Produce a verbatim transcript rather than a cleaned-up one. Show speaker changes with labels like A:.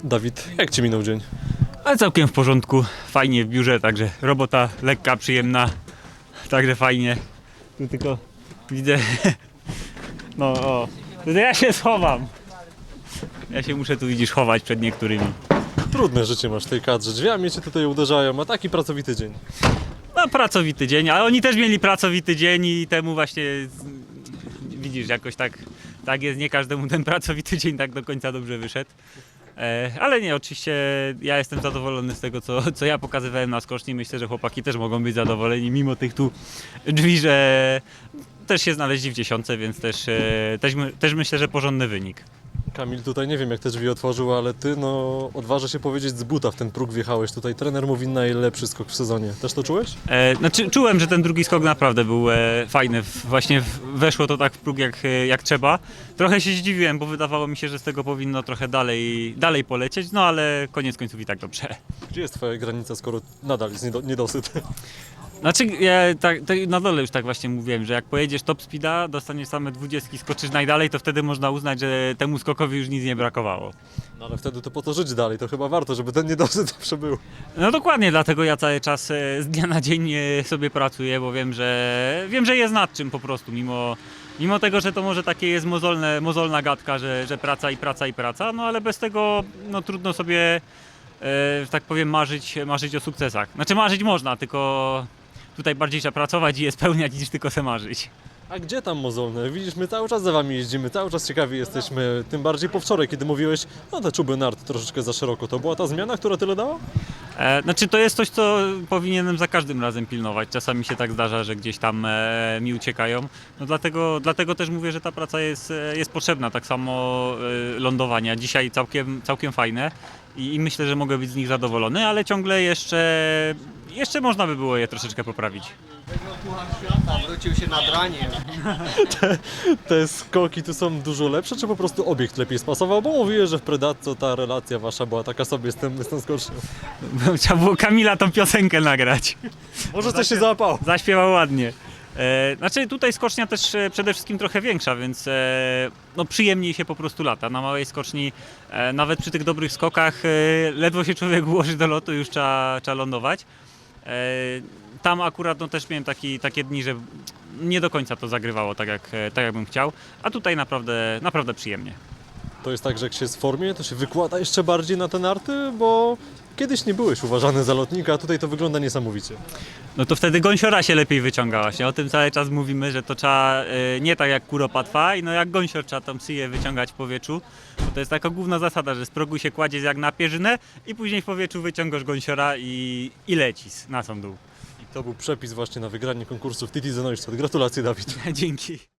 A: Dawid, jak Ci minął dzień?
B: Ale całkiem w porządku, fajnie w biurze, także robota lekka, przyjemna, także fajnie. Tu tylko widzę, no o, to ja się schowam. Ja się muszę tu, widzisz, chować przed niektórymi.
A: Trudne życie masz w tej kadrze, drzwiami Cię tutaj uderzają, a taki pracowity dzień.
B: No pracowity dzień, ale oni też mieli pracowity dzień i temu właśnie, widzisz, jakoś tak, tak jest, nie każdemu ten pracowity dzień tak do końca dobrze wyszedł. E, ale nie, oczywiście ja jestem zadowolony z tego, co, co ja pokazywałem na skoczni. Myślę, że chłopaki też mogą być zadowoleni, mimo tych tu drzwi, że też się znaleźli w dziesiątce, więc też, e, też, my- też myślę, że porządny wynik.
A: Kamil tutaj nie wiem jak te drzwi otworzył, ale Ty no odważę się powiedzieć z buta w ten próg wjechałeś tutaj. Trener mówi najlepszy skok w sezonie. Też to czułeś?
B: E, znaczy, czułem, że ten drugi skok naprawdę był e, fajny. W- Właśnie w, weszło to tak w próg jak, e, jak trzeba. Trochę się zdziwiłem, bo wydawało mi się, że z tego powinno trochę dalej, dalej polecieć, no ale koniec końców i tak dobrze.
A: Gdzie jest Twoja granica, skoro nadal jest niedo- niedosyt?
B: Znaczy, ja tak, tak na dole już tak właśnie mówiłem, że jak pojedziesz top speeda, dostaniesz same dwudziestki, skoczysz najdalej, to wtedy można uznać, że temu skokowi już nic nie brakowało.
A: No ale wtedy to po to żyć dalej, to chyba warto, żeby ten niedosyt zawsze był.
B: No dokładnie, dlatego ja cały czas e, z dnia na dzień e, sobie pracuję, bo wiem, że wiem, że jest nad czym po prostu, mimo, mimo tego, że to może takie jest mozolne, mozolna gadka, że, że praca i praca i praca, no ale bez tego no, trudno sobie, e, że tak powiem, marzyć, marzyć o sukcesach. Znaczy marzyć można, tylko tutaj bardziej trzeba pracować i je spełniać niż tylko se marzyć.
A: A gdzie tam mozolne? Widzisz, my cały czas za Wami jeździmy, cały czas ciekawi jesteśmy, tym bardziej po wczoraj, kiedy mówiłeś, no te czuby nart troszeczkę za szeroko. To była ta zmiana, która tyle dała?
B: E, znaczy to jest coś, co powinienem za każdym razem pilnować. Czasami się tak zdarza, że gdzieś tam e, mi uciekają. No dlatego, dlatego też mówię, że ta praca jest, e, jest potrzebna. Tak samo e, lądowania. Dzisiaj całkiem, całkiem fajne i, i myślę, że mogę być z nich zadowolony, ale ciągle jeszcze, jeszcze można by było je troszeczkę poprawić.
C: Puchar świata wrócił się nad raniem.
A: Te skoki tu są dużo lepsze, czy po prostu obiekt lepiej spasował? Bo mówiłeś, że w Predatco ta relacja Wasza była taka sobie z tym, z tą skocznią.
B: Trzeba było Kamila tą piosenkę nagrać.
A: Może coś się załapało.
B: Zaśpiewał ładnie. E, znaczy tutaj skocznia też e, przede wszystkim trochę większa, więc e, no, przyjemniej się po prostu lata. Na małej skoczni, e, nawet przy tych dobrych skokach, e, ledwo się człowiek ułoży do lotu, już trzeba, trzeba lądować. E, tam akurat no, też miałem taki, takie dni, że nie do końca to zagrywało tak jak, e, tak jak bym chciał, a tutaj naprawdę, naprawdę przyjemnie.
A: To jest tak, że jak się jest w formie, to się wykłada jeszcze bardziej na te narty, bo kiedyś nie byłeś uważany za lotnika, a tutaj to wygląda niesamowicie.
B: No to wtedy gąsiora się lepiej wyciąga właśnie. O tym cały czas mówimy, że to trzeba y, nie tak jak kuropatwa, i no jak gąsior trzeba tą psyję wyciągać w powietrzu. Bo to jest taka główna zasada, że z progu się kładzie jak na pierzynę i później w powietrzu wyciągasz gąsiora i, i lecisz na sam dół.
A: I to był przepis właśnie na wygranie konkursu w Titi Neustadt. Gratulacje, Dawid.
B: Dzięki.